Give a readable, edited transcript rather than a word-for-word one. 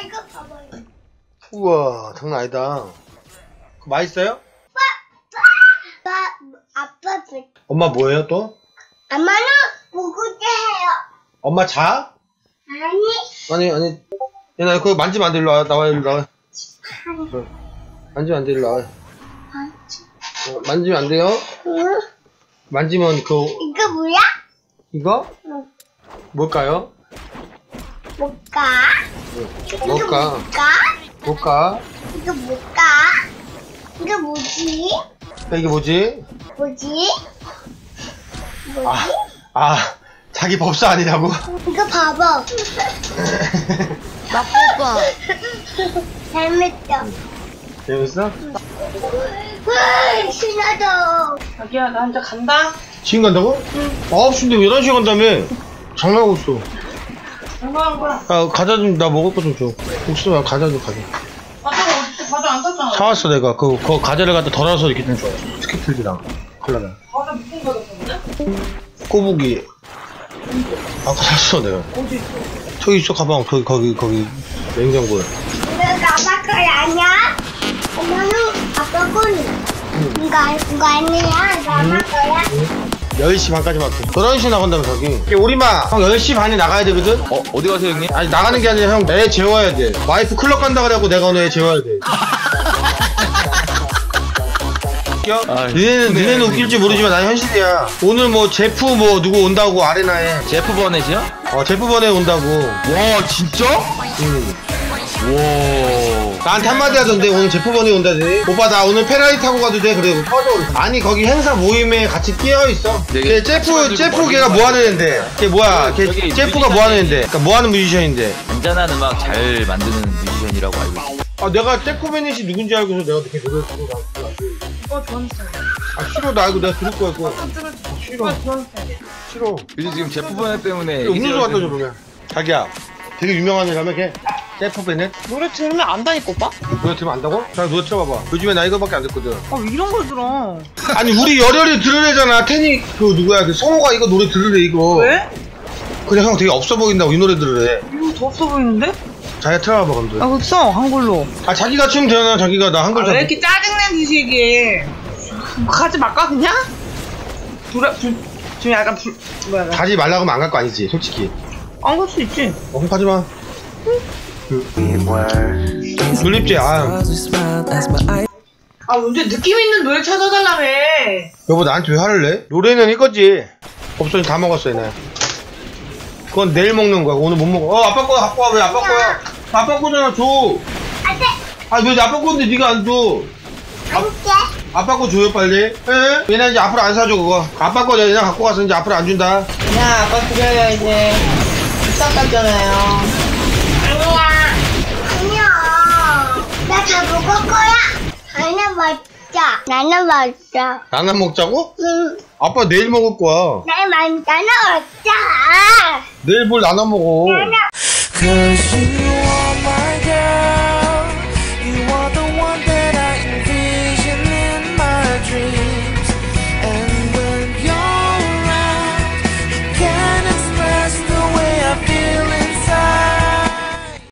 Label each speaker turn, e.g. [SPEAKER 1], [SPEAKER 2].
[SPEAKER 1] 이거 봐봐요.
[SPEAKER 2] 우와, 장난 아니다. 맛있어요?
[SPEAKER 1] 아빠
[SPEAKER 2] 엄마 뭐예요 또?
[SPEAKER 1] 엄마는 먹을 때 해요.
[SPEAKER 2] 엄마 자? 아니. 얘나 그거 만지면 안 돼. 일로 와. 나와, 일로 나와. 만지면 안 돼. 일로 나와. 만지면 안 돼요?
[SPEAKER 1] 응.
[SPEAKER 2] 만지면
[SPEAKER 1] 이거 뭐야?
[SPEAKER 2] 이거?
[SPEAKER 1] 응.
[SPEAKER 2] 뭘까요?
[SPEAKER 1] 뭘까?
[SPEAKER 2] 뭘까? 뭘까?
[SPEAKER 1] 이거 뭘까? 이거 뭐지?
[SPEAKER 2] 이게 뭐지?
[SPEAKER 1] 뭐지?
[SPEAKER 2] 자기 법사 아니냐고?
[SPEAKER 1] 이거 봐봐.
[SPEAKER 3] 나쁘다.
[SPEAKER 1] 재밌다.
[SPEAKER 2] 재밌어?
[SPEAKER 1] 신나다.
[SPEAKER 3] 자기야, 나 혼자 간다.
[SPEAKER 2] 지금 간다고? 응. 9시인데 11시에 간다며? 장난하고 있어.
[SPEAKER 3] 얼마한 거야?
[SPEAKER 2] 과자 좀, 나 먹을 거 좀 줘. 혹시 나 과자 좀 가져.
[SPEAKER 3] 과자 안 샀잖아.
[SPEAKER 2] 사왔어, 내가. 그 과자를 갖다 덜어서 이렇게 좀 줘요. 스키틀즈랑 콜라랑.
[SPEAKER 3] 과자 무슨 과자 샀는데?
[SPEAKER 2] 꼬부기. 아까 샀어, 내가.
[SPEAKER 3] 어디 있어?
[SPEAKER 2] 저기 있어, 가방. 거기, 냉장고에.
[SPEAKER 1] 이거 아빠 거야 아니야? 엄마는 아빠 거는. 이거 아니야? 이거 아빠 거야?
[SPEAKER 2] 10시 반까지 맞게. 11시 나간다며, 저기. 우리마, 형 10시 반에 나가야 되거든?
[SPEAKER 4] 어디 가세요, 형님?
[SPEAKER 2] 아니, 나가는 게 아니라 형, 애 재워야 돼. 와이프 클럽 간다 그래갖고 내가 오늘 애 재워야 돼. 니네는 웃길지 모르지만 난 현실이야. 오늘 뭐 제프 뭐 누구 온다고 아레나에.
[SPEAKER 4] 제프 버넷이요?
[SPEAKER 2] 제프 번에 온다고.
[SPEAKER 4] 와, 진짜?
[SPEAKER 2] 응.
[SPEAKER 4] 와.
[SPEAKER 2] 나한테 한마디 하던데 오늘 제프 번에 온다지. 오빠 나 오늘 페라리 타고 가도 돼? 그래 터져. 아니 거기 행사 모임에 같이 끼어있어. 걔 제프 걔가 뭐하는 앤데. 걔 뭐야 걔 제프가 뭐하는 앤데. 그니까 뭐하는 뮤지션인데.
[SPEAKER 4] 잔잔한 음악 잘 만드는 뮤지션이라고 알고 있어.
[SPEAKER 2] 내가 제프 베넷이 누군지 알고서 내가 이렇게 노래를 부르고 나왔어.
[SPEAKER 3] 좋아하는 스타일.
[SPEAKER 2] 싫어. 나 이거 내가 들을 거야 이거. 싫어.
[SPEAKER 3] 좋아하는 스타일.
[SPEAKER 2] 싫어.
[SPEAKER 4] 요즘 지금 제프 버넷 때문에
[SPEAKER 2] 음료수 갖다 줘 그러면. 자기야 되게 유명한 애라며 걔? 제프 베넷?
[SPEAKER 3] 노래 들으면 안다니까, 오빠?
[SPEAKER 2] 노래 들으면 안다고? 자 노래 틀어봐봐. 요즘에 나 이거밖에 안 듣거든.
[SPEAKER 3] 이런 걸 들어.
[SPEAKER 2] 아니 우리 열혈이 들으래잖아. 태니 그 누구야 그 성호가 이거 노래 들으래 이거.
[SPEAKER 3] 왜?
[SPEAKER 2] 그냥 형 되게 없어 보인다고 이 노래 들으래.
[SPEAKER 3] 이거 더 없어 보이는데?
[SPEAKER 2] 자기가 틀어봐봐 그럼.
[SPEAKER 3] 그쵸? 한글로.
[SPEAKER 2] 자기가 추면 되잖아. 자기가 나 한글
[SPEAKER 3] 왜 이렇게 짜증낸 듯이 가지 말까, 그냥? 좀 약간 뭐야.
[SPEAKER 2] 가지 말라고 하면 안 갈 거 아니지 솔직히.
[SPEAKER 3] 안 갈 수 있지.
[SPEAKER 2] 그럼 가지마. 졸립지.
[SPEAKER 3] 언제 느낌 있는 노래 찾아달라며.
[SPEAKER 2] 여보 나한테 왜 화를 내? 노래는 이거지. 없어니 다 먹었어 얘네. 그건 내일 먹는 거야. 오늘 못 먹어. 아빠 거야 갖고 와. 왜 아빠 거야? 아빠 거잖아. 줘.
[SPEAKER 1] 안돼.
[SPEAKER 2] 왜 아빠 건데 네가 안 줘?
[SPEAKER 1] 안돼.
[SPEAKER 2] 아빠 거 줘요 빨리. 에? 얘네 이제 앞으로 안 사줘 그거. 아빠 거 얘네 갖고 가서 이제 앞으로 안 준다.
[SPEAKER 3] 야, 아빠 드려요, 이제. 비싼 깠잖아요.
[SPEAKER 1] 아니야. 나 다 먹을 거야. 나는 먹자.
[SPEAKER 2] 나나 먹자고?
[SPEAKER 1] 응.
[SPEAKER 2] 아빠 내일 먹을 거야.
[SPEAKER 1] 나는 먹자.
[SPEAKER 2] 내일 뭘 나나 먹어.
[SPEAKER 1] 나는.